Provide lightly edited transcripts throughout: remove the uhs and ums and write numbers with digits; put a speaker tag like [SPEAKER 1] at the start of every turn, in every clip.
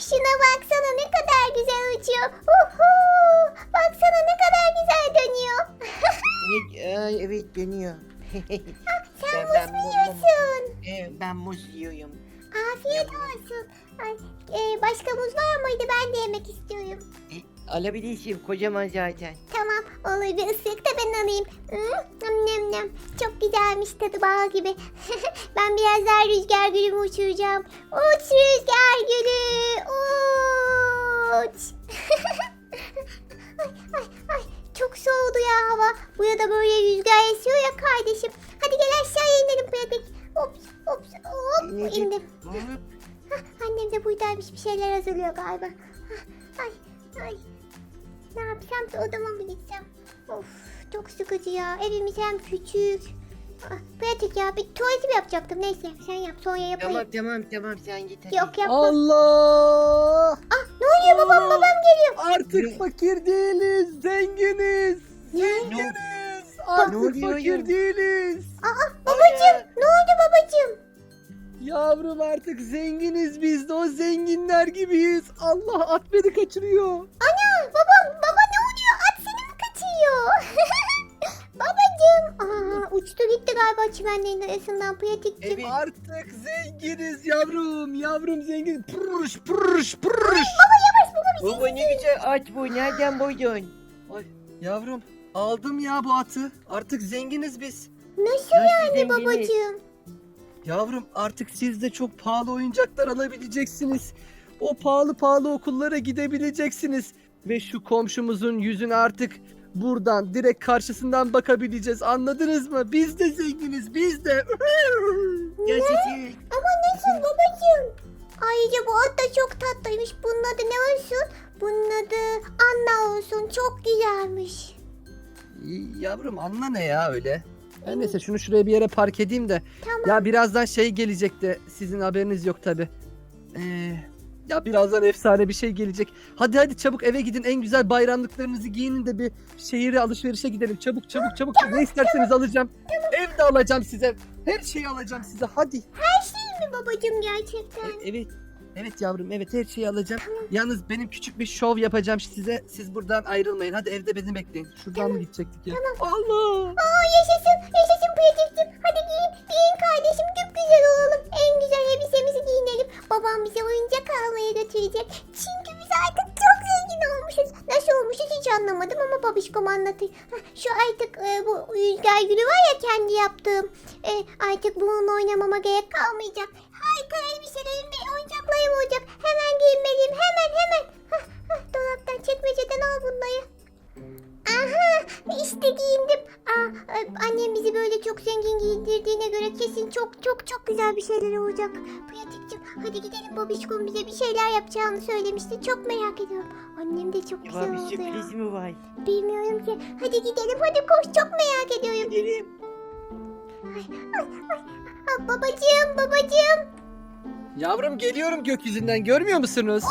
[SPEAKER 1] Şuna baksana ne kadar güzel uçuyor. Uhu. Baksana ne kadar güzel dönüyor.
[SPEAKER 2] Evet dönüyor.
[SPEAKER 1] Sen muz mu yiyorsun?
[SPEAKER 2] Evet ben muz yiyorum.
[SPEAKER 1] Afiyet olsun. Ay, başka muz var mıydı? Ben de yemek istiyorum.
[SPEAKER 2] Alabilirsin kocaman zaten.
[SPEAKER 1] Tamam olur, bir ısırık da ben alayım. Nem nem nem. Çok güzelmiş, tadı bal gibi. Ben biraz daha rüzgar gülümü uçuracağım. Uç rüzgar gülü uç. Ay, çok soğudu ya hava. Burada böyle rüzgar esiyor ya kardeşim. Hadi gel aşağıya inelim pratik. Ops hop indim. Annem de buradaymış, bir şeyler hazırlıyor galiba. Ay. Ne yapsam, odama mı gitsem? Of, çok sıkıcı ya. Evimiz hem küçük. Pratik ya, bir tuvaletimi yapacaktım. Neyse sen yap, sonra yapayım.
[SPEAKER 2] Tamam sen git hadi.
[SPEAKER 1] Yok yapma.
[SPEAKER 3] Allah!
[SPEAKER 1] Ne oluyor, babam geliyor.
[SPEAKER 3] Artık fakir değiliz, zenginiz. Zenginiz.
[SPEAKER 2] Ne
[SPEAKER 3] Artık
[SPEAKER 2] oluyor
[SPEAKER 3] fakir
[SPEAKER 2] ya?
[SPEAKER 3] değiliz.
[SPEAKER 1] Babacım, ne oldu babacım?
[SPEAKER 3] Yavrum artık zenginiz biz de o zenginler gibiyiz. Allah at beni kaçırıyor.
[SPEAKER 1] Ana, baba ne oluyor? At seni mi kaçıyor? Babacım. Uçtu gitti galiba çimenlerin arasından pratikçim.
[SPEAKER 2] Evet.
[SPEAKER 3] Artık zenginiz yavrum. Yavrum zengin. Pırış.
[SPEAKER 2] Baba ne güzel aç bu. Nereden buydun?
[SPEAKER 3] Ay, yavrum aldım ya bu atı. Artık zenginiz biz.
[SPEAKER 1] Nasıl yani
[SPEAKER 2] zenginiz?
[SPEAKER 1] babacım?
[SPEAKER 3] Yavrum artık siz de çok pahalı oyuncaklar alabileceksiniz. O pahalı okullara gidebileceksiniz. Ve şu komşumuzun yüzüne artık buradan direkt karşısından bakabileceğiz. Anladınız mı? Biz de zenginiz, biz de.
[SPEAKER 2] Gerçekten.
[SPEAKER 1] Ama nasıl babacığım? Ayrıca bu at da çok tatlıymış. Bunun adı ne olsun? Bunun adı Anna olsun. Çok güzelmiş.
[SPEAKER 3] Yavrum anla ne ya öyle? Her neyse şunu şuraya bir yere park edeyim de.
[SPEAKER 1] Tamam.
[SPEAKER 3] Ya birazdan şey gelecek de sizin haberiniz yok tabi. Ya birazdan efsane bir şey gelecek. Hadi çabuk eve gidin, en güzel bayramlıklarınızı giyinin de bir şehire alışverişe gidelim. Çabuk. Ne isterseniz alacağım. Ev de alacağım size. Her şeyi alacağım size. Hadi.
[SPEAKER 1] Her şey mi babacığım gerçekten?
[SPEAKER 3] Evet. Evet yavrum, evet her şeyi alacağım. Yalnız benim küçük bir şov yapacağım size. Siz buradan ayrılmayın. Hadi evde beni bekleyin. Şuradan mı gidecektik ya? Allah!
[SPEAKER 1] Yaşasın pratikçim. Hadi giyin kardeşim. Çok güzel olalım. En güzel elbisemizi giyinelim. Babam bize oyuncak almaya götürecek. Çünkü biz artık çok zengin olmuşuz. Nasıl olmuşuz hiç anlamadım ama babişkom anlatıyor. Şu artık bu rüzgar gülü var ya, kendi yaptığım. Artık bununla oynamama gerek kalmayacak. Harika elbiselerim ve oyuncaklarım olacak. Hemen giyinmeliyim. Hemen. Dolaptan, çekmeceden al bunları. Aha, işte giyindim. Annem bizi böyle çok zengin giyindirdiğine göre kesin çok güzel bir şeyler olacak. Pratikçim, hadi gidelim, babişkom bize bir şeyler yapacağını söylemişti. Çok merak ediyorum. Annem de çok güzel
[SPEAKER 2] Baba bir
[SPEAKER 1] oldu ya.
[SPEAKER 2] sürpriz mi var?
[SPEAKER 1] Bilmiyorum ki. Hadi gidelim, hadi koş, çok merak ediyorum.
[SPEAKER 2] Gidelim.
[SPEAKER 1] Babacığım.
[SPEAKER 3] Yavrum geliyorum gökyüzünden, görmüyor musunuz?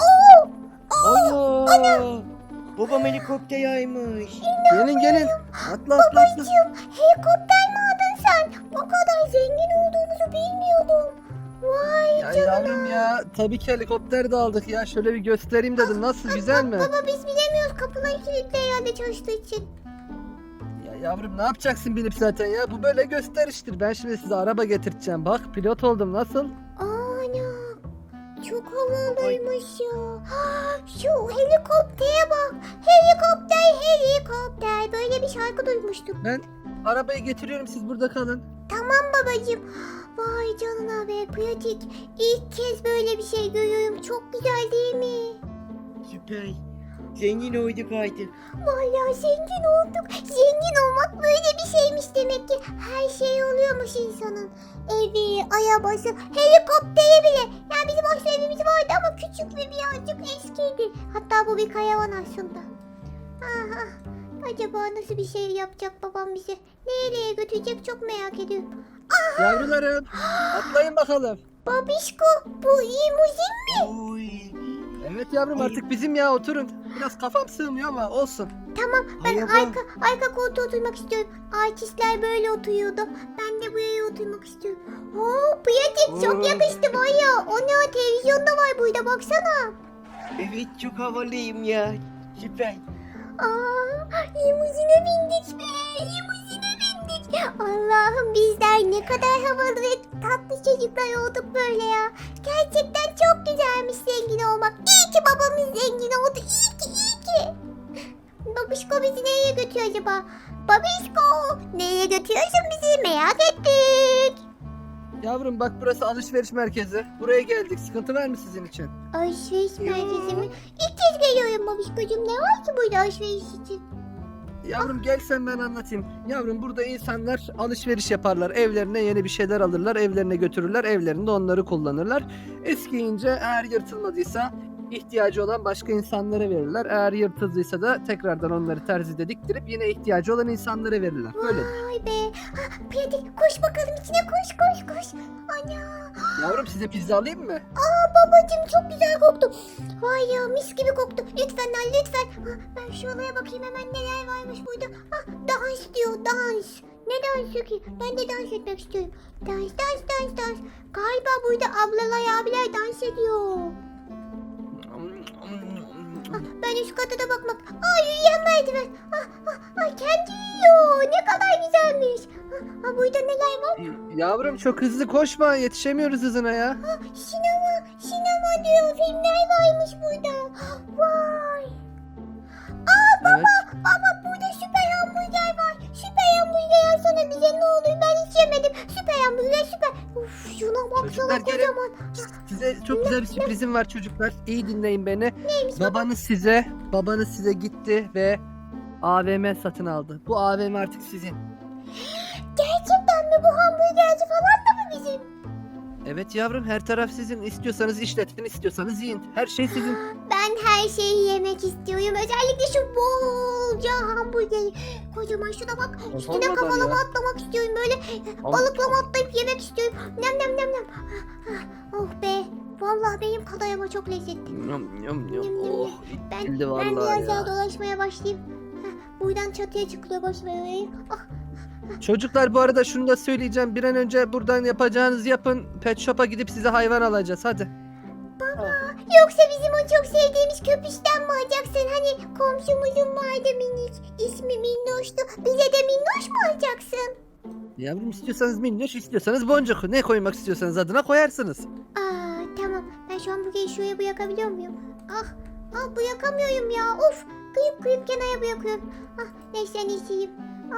[SPEAKER 2] Allah. Babam helikopter yaymış.
[SPEAKER 3] Gelin. Atla.
[SPEAKER 1] Babacığım, helikopter mi aldın sen? O kadar zengin olduğumuzu bilmiyordum. Vay
[SPEAKER 3] Ya
[SPEAKER 1] canına.
[SPEAKER 3] yavrum ya, tabii ki helikopter de aldık ya. Şöyle bir göstereyim dedim. Nasıl, güzel mi?
[SPEAKER 1] Baba biz bilemiyoruz, kapıları kilitli herhalde çalıştığı için.
[SPEAKER 3] Ya yavrum ne yapacaksın binip zaten ya? Bu böyle gösteriştir. Ben şimdi size araba getireceğim. Bak pilot oldum, nasıl?
[SPEAKER 1] Ana, çok havalıymış ya. Şu helikoptere bak. Helikopter. Böyle bir şarkı duymuştum.
[SPEAKER 3] Ben arabayı getiriyorum, siz burada kalın.
[SPEAKER 1] Tamam babacığım. Vay canına be pratik. İlk kez böyle bir şey görüyorum. Çok güzel değil mi?
[SPEAKER 2] Süper. Zengin olduk artık.
[SPEAKER 1] Vallahi zengin olduk. Zengin olmak böyle bir şeymiş demek ki. Her şey oluyormuş insanın. Evi, arabası, helikopteri bile. Yani bizim aslında evimiz vardı ama küçük ve birazcık eskiydi. Hatta bu bir karavan aslında. Aha. Acaba nasıl bir şey yapacak babam bize? Nereye götürecek çok merak ediyorum.
[SPEAKER 3] Yavrularım atlayın bakalım.
[SPEAKER 1] Babişko, bu limuzin mi?
[SPEAKER 2] Oy.
[SPEAKER 3] Evet yavrum, artık bizim ya, oturun. Biraz kafam sığmıyor ama olsun.
[SPEAKER 1] Tamam, ben
[SPEAKER 2] Merhaba.
[SPEAKER 1] arka koltuğa oturmak istiyorum. Artistler böyle oturuyordu. Ben de buraya oturmak istiyorum. Pratik çok
[SPEAKER 2] Oo.
[SPEAKER 1] yakıştı var ya. O ne, o televizyonda var burada, baksana.
[SPEAKER 2] Evet çok havalıyım ya. Süper.
[SPEAKER 1] Limuzine bindik be. Limuzine bindik. Allah'ım bizler ne kadar havalı ve tatlı çocuklar olduk böyle ya. Gerçekten çok güzelmiş zengin olmak. İyi ki babamız zengin oldu. İyi ki iyi ki. Babişko bizi nereye götürüyor acaba? Babişko nereye götürüyorsun bizi merak ettik.
[SPEAKER 3] Yavrum bak burası alışveriş merkezi. Buraya geldik. Sıkıntı var mı sizin için?
[SPEAKER 1] Alışveriş merkezi mi? İlk kez geliyorum babişkocuğum. Ne var ki burada alışveriş için?
[SPEAKER 3] Yavrum gel sen ben anlatayım. Yavrum burada insanlar alışveriş yaparlar. Evlerine yeni bir şeyler alırlar. Evlerine götürürler. Evlerinde onları kullanırlar. Eskiyince eğer yırtılmadıysa ihtiyacı olan başka insanlara verirler. Eğer yırtıldıysa da tekrardan onları terzide diktirip yine ihtiyacı olan insanlara verirler. Böyle.
[SPEAKER 1] Vay be. Pratik koş bakalım içine koş. Ana.
[SPEAKER 3] Yavrum size pizza alayım mı?
[SPEAKER 1] Babacım çok güzel koktu. Vay ya mis gibi koktu. Lütfen lan lütfen. Ben şu olaya bakayım hemen neler varmış burada. Dans diyor dans. Ne dansı ki? Ben de dans etmek istiyorum. Dans. Galiba burada ablalar abiler dans ediyor. Ben üst kata da bakmak. Yürüyen merdiven. Kendi yiyor. Ne kadar güzelmiş. Burada neler var?
[SPEAKER 3] Yavrum çok hızlı koşma. Yetişemiyoruz hızına ya.
[SPEAKER 1] Sinema diyor. Filmler varmış burada. Vay.
[SPEAKER 3] Evet.
[SPEAKER 1] Baba burada süper hamburger var. Süper hamburger alsana bize ne olur. Ben hiç yemedim. Süper hamburger süper. Uf şuna baksana
[SPEAKER 3] Çocuklar gelin.
[SPEAKER 1] kocaman.
[SPEAKER 3] Size çok güzel bir sürprizim var çocuklar. İyi dinleyin beni.
[SPEAKER 1] Neymiş
[SPEAKER 3] Babanız size gitti ve AVM satın aldı. Bu AVM artık sizin.
[SPEAKER 1] Gerçekten mi bu hamburgerci falan da mı bizim?
[SPEAKER 3] Evet yavrum her taraf sizin. İstiyorsanız işletin, istiyorsanız yiyin. Her şey sizin.
[SPEAKER 1] Ben her şeyi yemek istiyorum. Özellikle şu bolca hamburgeri. Kocaman şuna bak. Üstüne
[SPEAKER 3] Olmadan
[SPEAKER 1] kafalama
[SPEAKER 3] ya.
[SPEAKER 1] atlamak istiyorum böyle. Balıklama atlayıp yemek istiyorum. Nem. Oh be. Vallahi benim kalayama çok lezzetli.
[SPEAKER 3] Yum, yum,
[SPEAKER 1] Yum, yum,
[SPEAKER 3] Oh,
[SPEAKER 1] yum. Ben
[SPEAKER 3] bildi
[SPEAKER 1] biraz
[SPEAKER 3] vallahi
[SPEAKER 1] daha
[SPEAKER 3] ya.
[SPEAKER 1] dolaşmaya başlayayım. Buradan çatıya çıkılıyor başlayayım.
[SPEAKER 3] Çocuklar bu arada şunu da söyleyeceğim. Bir an önce buradan yapacağınızı yapın. Pet shop'a gidip size hayvan alacağız. Hadi.
[SPEAKER 1] Yoksa bizim o çok sevdiğimiz köpüşten mi alacaksın? Hani komşumuzun vardı minik. İsmi Minnoş'tu. Bize de Minnoş mu alacaksın?
[SPEAKER 3] Yavrum istiyorsanız minnoş, istiyorsanız boncuk. Ne koymak istiyorsanız adına koyarsınız.
[SPEAKER 1] Tamam. Ben şu an burayı şuraya bırakabiliyor muyum? Bırakamıyorum ya. Of. Kıyıp kenara bırakıyorum. Neyse en iyisiyim.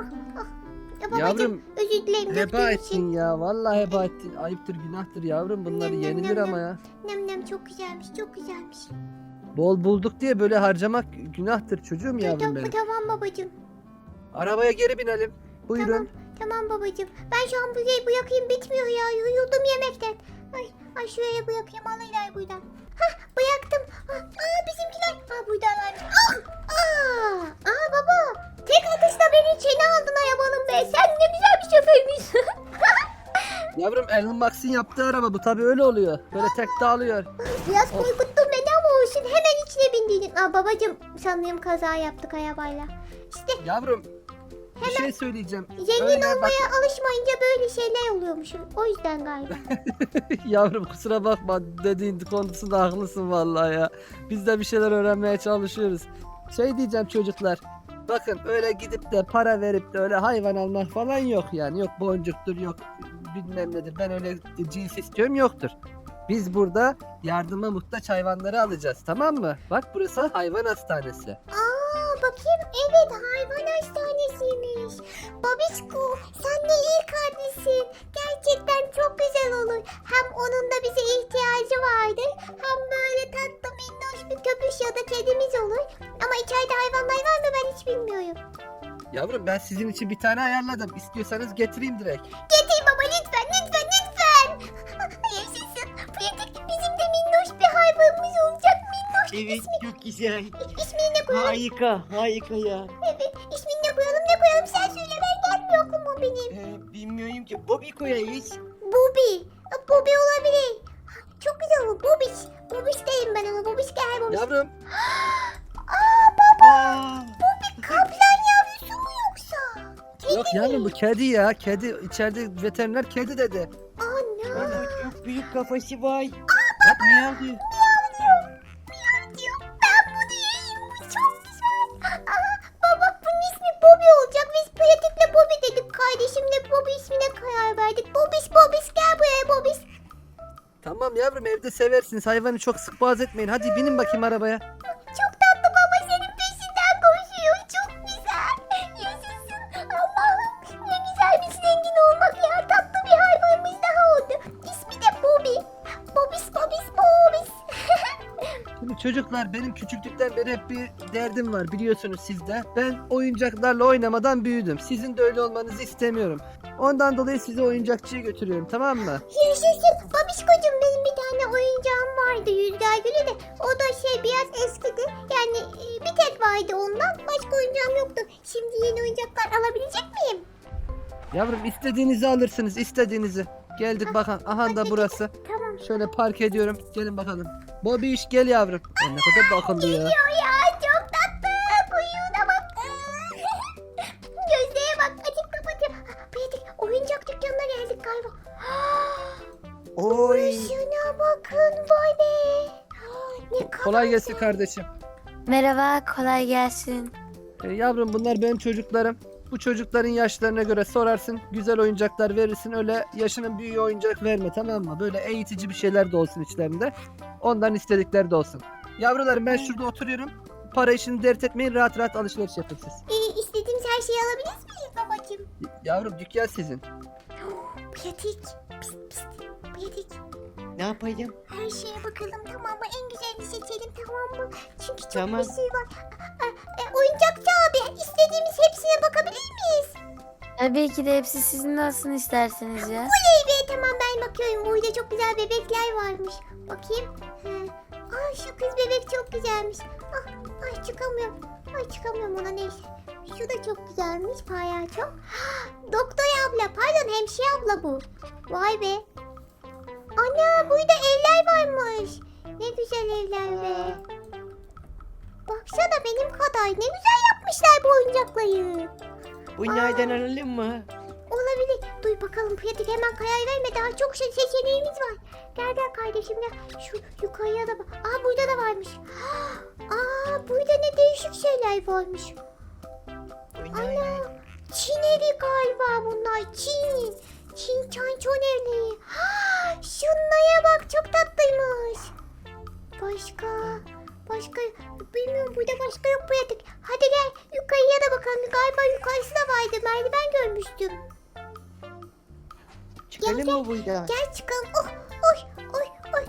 [SPEAKER 1] Ya babacım,
[SPEAKER 3] Yavrum
[SPEAKER 1] özür dilerim.
[SPEAKER 3] heba
[SPEAKER 1] döktüğüm için.
[SPEAKER 3] ettin ya. Vallahi heba ettin. Ayıptır günahtır yavrum. Bunları
[SPEAKER 1] Nem, nem,
[SPEAKER 3] yenilir
[SPEAKER 1] nem,
[SPEAKER 3] ama
[SPEAKER 1] nem.
[SPEAKER 3] ya.
[SPEAKER 1] Nem çok güzelmiş. Çok güzelmiş.
[SPEAKER 3] Bol bulduk diye böyle harcamak günahtır çocuğum yavrum benim.
[SPEAKER 1] Tamam babacım.
[SPEAKER 3] Arabaya geri binelim. Buyurun.
[SPEAKER 1] Tamam babacım. Ben şu an burayı bırakayım bitmiyor ya. Yoruldum yemekten. Ay şuraya bırakayım alırlar buradan. Bıraktım. Bizimkiler. Buradalar. Baba. Tek atışla beni içine aldın arabanın be. Sen ne güzel bir şoförmüşsün.
[SPEAKER 3] Yavrum Elon Musk'ın yaptığı araba bu tabii öyle oluyor. Böyle tek dağılıyor.
[SPEAKER 1] Biraz korkuttun beni ama olsun. Hemen içine bindiydin. Babacım sanırım kaza yaptık arabayla. İşte
[SPEAKER 3] Yavrum bir şey söyleyeceğim.
[SPEAKER 1] zengin
[SPEAKER 3] Öyle bak-
[SPEAKER 1] olmaya alışmayınca böyle şeyler oluyormuşum. O yüzden galiba.
[SPEAKER 3] Yavrum kusura bakma dediğin konusunda haklısın vallahi ya. Biz de bir şeyler öğrenmeye çalışıyoruz. Şey diyeceğim çocuklar. Bakın öyle gidip de para verip de öyle hayvan almak falan yok yani. Yok boncuktur yok bilmem nedir. Ben öyle cins istiyorum yoktur. Biz burada yardıma muhtaç hayvanları alacağız tamam mı? Bak burası hayvan hastanesi.
[SPEAKER 1] Bakayım evet hayvan hastanesiymiş. Babişko sen de iyi kardeşsin. Gerçekten çok güzel olur. Hem onun da bize ihtiyacı vardır. Hem böyle tatlı minnoş bir köpüş ya da kedimiz olur. Ama içeride hayvanlar var mı ben hiç bilmiyorum.
[SPEAKER 3] Yavrum ben sizin için bir tane ayarladım. İstiyorsanız getireyim direkt.
[SPEAKER 1] Getir baba lütfen. Yaşasın. Pratik bizim de minnoş bir hayvanımız olacak. Minnoş
[SPEAKER 2] Evet çok güzel.
[SPEAKER 1] ismini ne koyalım?
[SPEAKER 2] Harika ya.
[SPEAKER 1] Evet ismini ne koyalım sen söyle ben gelmiyor aklıma benim.
[SPEAKER 2] Bilmiyorum ki Bobby koyarız.
[SPEAKER 1] Bobby olabilir. Çok güzel olur. Bobiş derim ben ona. Bobiş gel Bobiş.
[SPEAKER 3] Yavrum
[SPEAKER 1] Kaplan yavrusu mu yoksa?
[SPEAKER 3] yok yavrum bu kedi ya. Kedi içeride veteriner kedi dedi.
[SPEAKER 1] Ana.
[SPEAKER 2] Ama çok büyük kafası var. Bak ne yapıyor?
[SPEAKER 1] Miyav diyor. Baba bunun ismi Bobby olacak. Biz pratikle Bobby dedik. Kardeşimle Bobby ismine karar verdik. Bobiş gel buraya Bobiş.
[SPEAKER 3] Tamam yavrum, evde seversiniz. Hayvanı çok sık boğaz etmeyin. Hadi binin bakayım arabaya.
[SPEAKER 1] Çok tatlı baba, senin peşinden koşuyor. Çok güzel. Yaşasın. Allah'ım ne güzel bir zengin olmak ya. Tatlı bir hayvanımız daha oldu. İsmi de Bobby. Bobiş.
[SPEAKER 3] Şimdi çocuklar, benim küçüklükten beri hep bir derdim var, biliyorsunuz siz de. Ben oyuncaklarla oynamadan büyüdüm. Sizin de öyle olmanızı istemiyorum. Ondan dolayı sizi oyuncakçıya götürüyorum, tamam mı?
[SPEAKER 1] Yaşasın. Babişkocuğum, benim bir tane oyuncağım vardı, Rüzgar Gülü de. O da biraz eskidi. Yani bir tek vardı ondan. Başka oyuncağım yoktu. Şimdi yeni oyuncaklar alabilecek miyim?
[SPEAKER 3] Yavrum, istediğinizi alırsınız, istediğinizi. Geldik bakın, aha da burası.
[SPEAKER 1] Tamam.
[SPEAKER 3] Şöyle park ediyorum. Gelin bakalım. Bobby iş gel yavrum. Ne kadar da akıllı ya.
[SPEAKER 1] Geliyor ya, çok tatlı. Kuyruğuna bak. Gözlere bak. Açıp kapatıyor. Pratik, oyuncak dükkanına geldik galiba.
[SPEAKER 2] Oy.
[SPEAKER 1] Şuna bakın, vay be. Ne kadar
[SPEAKER 3] Kolay gelsin kardeşim.
[SPEAKER 4] Merhaba, kolay gelsin.
[SPEAKER 3] Yavrum, bunlar benim çocuklarım. Bu çocukların yaşlarına göre sorarsın. Güzel oyuncaklar verirsin. Öyle yaşının büyüğü oyuncak verme, tamam mı? Böyle eğitici bir şeyler de olsun içlerinde. Ondan istedikleri de olsun. Yavrularım, ben şurada oturuyorum. Para işini dert etmeyin. Rahat rahat alışveriş yapın siz.
[SPEAKER 1] İstediğimiz her şeyi alabilir miyiz babacığım?
[SPEAKER 3] Yavrum, dükkan sizin.
[SPEAKER 1] Pratik. Pist. Pratik.
[SPEAKER 2] Ne yapayım?
[SPEAKER 1] Her şeye bakalım, tamam mı? En güzelini seçelim, tamam mı? Çünkü çok
[SPEAKER 2] Tamam.
[SPEAKER 1] bir şey var. Oyuncakçı abi, istediğimiz hepsine bakabilir miyiz?
[SPEAKER 4] Tabii ki de hepsi sizin olsun isterseniz ya.
[SPEAKER 1] Oley be, tamam ben bakıyorum. Burada çok güzel bebekler varmış. Bakayım. Şu kız bebek çok güzelmiş. Çıkamıyorum ona, neyse. Şu da çok güzelmiş, palyaço. Doktor abla, pardon hemşire abla bu. Vay be. Ana, burada evler varmış. Ne güzel evler be. Baksana benim kadar. Ne güzel yapmışlar bu oyuncakları.
[SPEAKER 2] Bunlardan alalım mı?
[SPEAKER 1] Olabilir. Duy bakalım pratik, hemen karar verme. Daha çok seçeneğimiz var. Gel kardeşim gel. Şu yukarıya da bak. Burada da varmış. Burada ne değişik şeyler varmış.
[SPEAKER 2] Bunlar
[SPEAKER 1] Ana. Çin evi galiba bunlar. Çin çançon evleri. Şunlara bak, çok tatlıymış. Başka bilmiyorum, burada başka yok pratik. Hadi gel yukarıya da bakalım. Galiba yukarısı da vardı. Merdiven görmüştüm.
[SPEAKER 2] çıkalım mı buradan?
[SPEAKER 1] Gel çıkalım. Oy.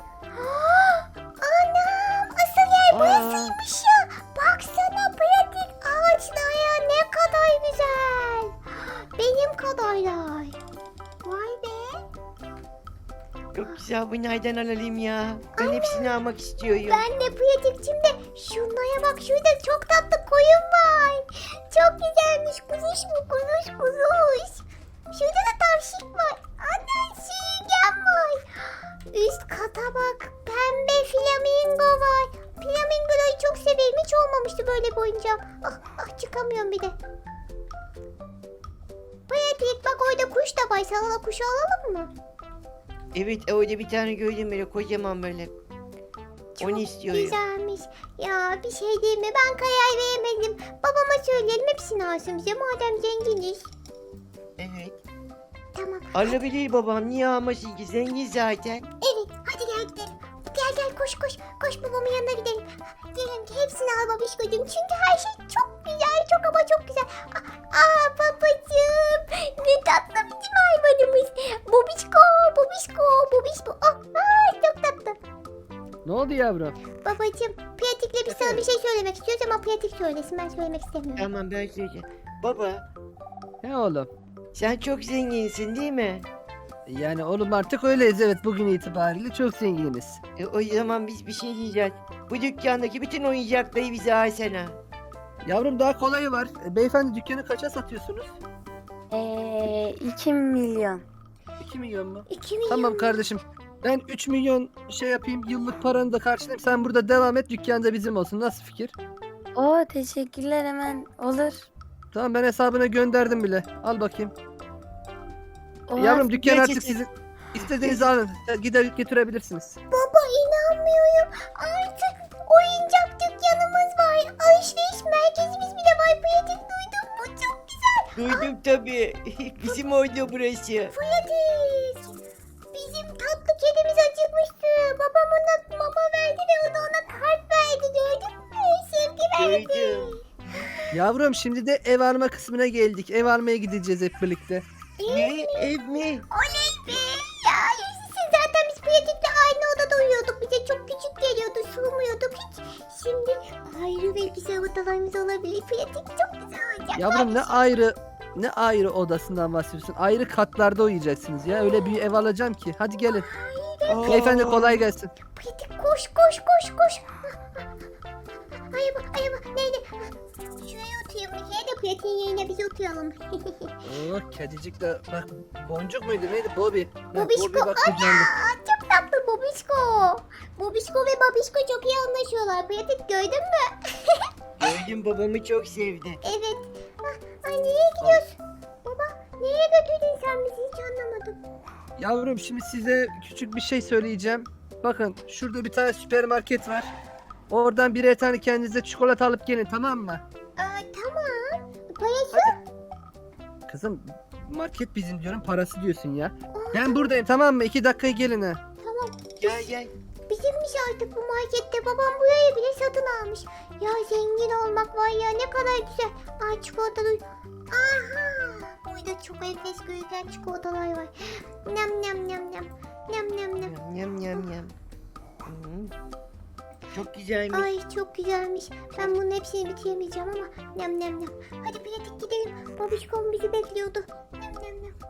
[SPEAKER 1] Anam, asıl yer burasıymış ya. Baksana pratik, ağaçlar ne kadar güzel. Benim kadarlar. Vay be.
[SPEAKER 2] Çok güzel, bunlardan alalım ya. Ben hepsini almak istiyorum.
[SPEAKER 1] Ben de pratikçim de şunlara bak, şurada çok tatlı koyun var. Çok güzelmiş. Kuzuş mu? Kuzuş. Şurada da tavşik var. Ana, sürüngen var. Üst kata bak. Pembe flamingo var. Flamingoları çok severim. Hiç olmamıştı böyle bir oyuncağım. Çıkamıyorum bir de. Pratik bak, orada kuş da var. Sana da kuşu alalım mı?
[SPEAKER 2] Evet, orada bir tane gördüm böyle kocaman böyle.
[SPEAKER 1] Çok
[SPEAKER 2] Onu istiyorum.
[SPEAKER 1] güzelmiş. Ya bir şey değil mi? Ben karar veremedim. Babama söyleyelim, hepsini alsın bize. Madem zenginiz.
[SPEAKER 2] Evet.
[SPEAKER 1] Tamam.
[SPEAKER 2] Alabilir babam, niye almasın ki, zengin zaten.
[SPEAKER 1] Evet. Hadi gel gidelim. Gel koş. Koş babamın yanına gidelim. Diyelim ki hepsini al babişkocuğum. Çünkü her şey çok güzel. Çok güzel. Babacığım. Ne tatlı bizim hayvanımız. Bobişko. Çok tatlı.
[SPEAKER 3] Ne oldu yavrum?
[SPEAKER 1] Babacığım, pratikle biz sana bir şey söylemek istiyoruz ama pratik söylesin. Ben söylemek istemiyorum.
[SPEAKER 2] Tamam, ben söyleyeceğim. Baba,
[SPEAKER 3] Ne oğlum?
[SPEAKER 2] sen çok zenginsin değil mi?
[SPEAKER 3] Yani oğlum, artık öyleyiz, evet, bugün itibariyle çok zenginiz.
[SPEAKER 2] O zaman biz bir şey diyeceğiz. Bu dükkandaki bütün oyuncakları bize alsana.
[SPEAKER 3] Yavrum, daha kolayı var. Beyefendi, dükkanı kaça satıyorsunuz?
[SPEAKER 4] 2 milyon.
[SPEAKER 3] 2 milyon mu?
[SPEAKER 1] 2 milyon.
[SPEAKER 3] Tamam kardeşim. Ben 3 milyon şey yapayım, yıllık paranı da karşılayayım. Sen burada devam et, dükkan da bizim olsun. Nasıl fikir?
[SPEAKER 4] Oo, teşekkürler, hemen olur.
[SPEAKER 3] Tamam, ben hesabına gönderdim bile. Al bakayım.
[SPEAKER 4] Oha,
[SPEAKER 3] Yavrum, dükkan artık
[SPEAKER 2] gerçekten-
[SPEAKER 3] sizin. İstediğinizi alın. Gider götürebilirsiniz.
[SPEAKER 1] Baba, inanmıyorum. Artık oyuncak dükkanımız var. Alışveriş merkezimiz
[SPEAKER 2] tabii. Bizim oydu burası.
[SPEAKER 1] Pratik. Bizim tatlı kedimiz acıkmıştı. Babam ona mama verdi ve o da ona kart verdi. Gördün mü? Sevgi verdi.
[SPEAKER 2] Gördüm.
[SPEAKER 3] Yavrum şimdi de ev alma kısmına geldik. Ev almaya gideceğiz hep birlikte.
[SPEAKER 2] Ne? Ev mi?
[SPEAKER 1] Oley be. Ya yaşasın. Zaten biz Pratik'le aynı odada uyuyorduk. Bize çok küçük geliyordu. Sığmıyorduk hiç. Şimdi ayrı ve güzel odalarımız olabilir. Pratik çok güzel olacak.
[SPEAKER 3] Yavrum ne ayrı odasından bahsediyorsun? Ayrı katlarda uyuyacaksınız ya. Öyle bir ev alacağım ki. Hadi gelin.
[SPEAKER 2] Aa,
[SPEAKER 3] Beyefendi kolay gelsin.
[SPEAKER 1] Pratik koş koş koş koş. Ayıba ayıba. Neydi? Şuraya oturayım. Şuraya da Pratik'in yerine biz oturalım.
[SPEAKER 3] Oh kedicik de bak boncuk muydu neydi Bobby? Ha,
[SPEAKER 1] Bobişko.
[SPEAKER 3] Bobby bak kucağında.
[SPEAKER 1] Aa, çok tatlı Bobişko. Bobişko ve Babişko çok iyi anlaşıyorlar. Pratik gördün mü?
[SPEAKER 2] Gördüm, babamı çok sevdi.
[SPEAKER 1] Evet. Ay nereye gidiyorsun? Baba nereye götürdün sen bizi hiç anlamadım.
[SPEAKER 3] Yavrum şimdi size küçük bir şey söyleyeceğim. Bakın şurada bir tane süpermarket var. Oradan birer tane kendinize çikolata alıp gelin tamam mı?
[SPEAKER 1] Tamam. Parası?
[SPEAKER 3] Kızım market bizim diyorum parası diyorsun ya. Ben buradayım tamam mı? 2 dakikaya gelin ha.
[SPEAKER 1] Tamam.
[SPEAKER 2] Gel gel.
[SPEAKER 1] Bizimmiş artık bu markette. Babam burayı bile satın almış. Ya zengin olmak var ya ne kadar güzel. Ay çikolatalı. Aha. Burada çok enfes gözüken çikolatalar var. Nem nem nem nem. Nem nem nem.
[SPEAKER 2] Yam yam yam. Hı. Çok güzelmiş.
[SPEAKER 1] Ay çok güzelmiş. Ben bunun hepsini bitiremeyeceğim ama nem nem nem. Hadi pratik gidelim. Babişkom bizi bekliyordu. Nem nem nem.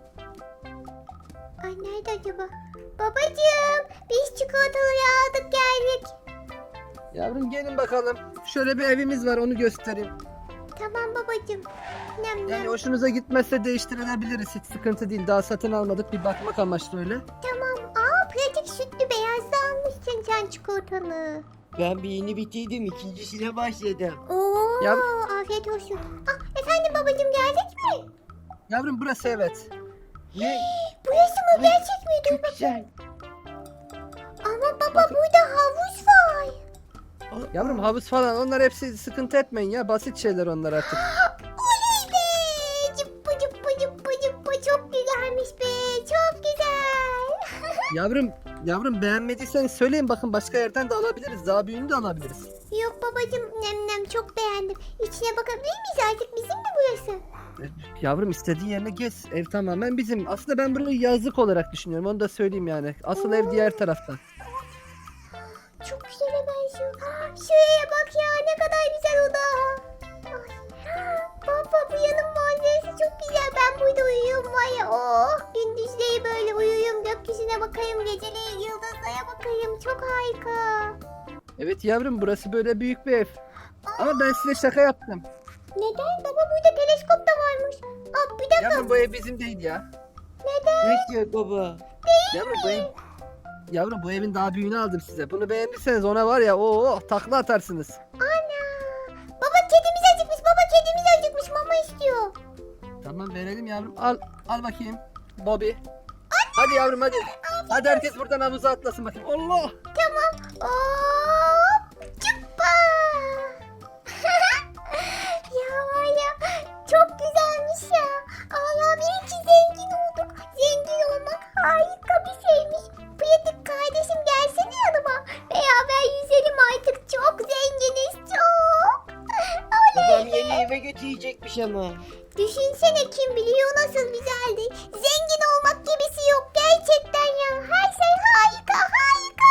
[SPEAKER 1] Ay nerede acaba? Babacığım biz çikolataları aldık geldik.
[SPEAKER 3] Yavrum gelin bakalım. Şöyle bir evimiz var onu göstereyim.
[SPEAKER 1] Tamam babacığım. Nem nem.
[SPEAKER 3] Yani hoşunuza gitmezse değiştirebiliriz. Hiç sıkıntı değil. Daha satın almadık. Bir bakmak amaçlı öyle.
[SPEAKER 1] Tamam. Aa pratik sütlü beyaz da almışsın sen çikolatanı.
[SPEAKER 2] Ben birini bitirdim, ikincisine başladım.
[SPEAKER 1] Oo
[SPEAKER 3] Ya-
[SPEAKER 1] afiyet olsun. Ah efendim babacığım geldik mi?
[SPEAKER 3] Yavrum burası evet.
[SPEAKER 2] Ne?
[SPEAKER 1] Burası mı gerçek mi? Dur
[SPEAKER 2] Çok güzel.
[SPEAKER 1] Ama baba
[SPEAKER 3] Bakın.
[SPEAKER 1] burada havuz var.
[SPEAKER 3] Yavrum havuz falan onlar hepsi sıkıntı etmeyin ya. Basit şeyler onlar artık.
[SPEAKER 1] Oley be! Cıppı cıppı cıppı cıppı çok güzelmiş be! Çok güzel!
[SPEAKER 3] Yavrum beğenmediyseniz söyleyin bakın başka yerden de alabiliriz. Daha büyüğünü de alabiliriz.
[SPEAKER 1] Yok babacım nem nem çok beğendim. İçine bakabilir miyiz artık bizim mi burası?
[SPEAKER 3] Yavrum istediğin yerine gez. Ev tamamen bizim. Aslında ben burayı yazlık olarak düşünüyorum. Onu da söyleyeyim yani. Asıl ev diğer tarafta.
[SPEAKER 1] Çok güzele benziyor. Şuraya bak ya ne kadar güzel oda. Ay. Baba bu yanın manzarası çok güzel. Ben burada uyuyorum var ya. Oh gündüzleri böyle uyuyorum. Gökyüzüne bakayım. Geceleri yıldızlara bakayım. Çok harika.
[SPEAKER 3] Evet yavrum burası böyle büyük bir ev. Ama ben size şaka yaptım.
[SPEAKER 1] Neden? Baba burada teleskop da varmış. Aa, bir dakika.
[SPEAKER 3] Yavrum bu ev bizim değil ya.
[SPEAKER 2] Nasıl baba?
[SPEAKER 3] Yavrum bu evin daha büyüğünü aldım size. Bunu beğendiyseniz ona var ya takla atarsınız.
[SPEAKER 1] Ana. Baba kedimiz acıkmış. Baba kedimiz acıkmış. Mama istiyor.
[SPEAKER 3] Tamam verelim yavrum. Al bakayım. Bobby. Hadi yavrum hadi. Hadi herkes buradan havuza atlasın bakayım. Allah.
[SPEAKER 1] Tamam. Hop. Cıppa. Ya var ya. Çok güzelmiş ya. Allah iyi ki zengin olduk. Zengin olmak harika bir şeymiş. Pratik kardeşim gelsene yanıma. Beraber yüzelim artık. Çok zenginiz. Çok.
[SPEAKER 2] Babam
[SPEAKER 1] Oley.
[SPEAKER 2] yeni eve götürecekmiş ama.
[SPEAKER 1] Düşünsene kim biliyor nasıl güzeldi. Zengin olmak gibisi yok gerçekten ya. Her şey harika harika.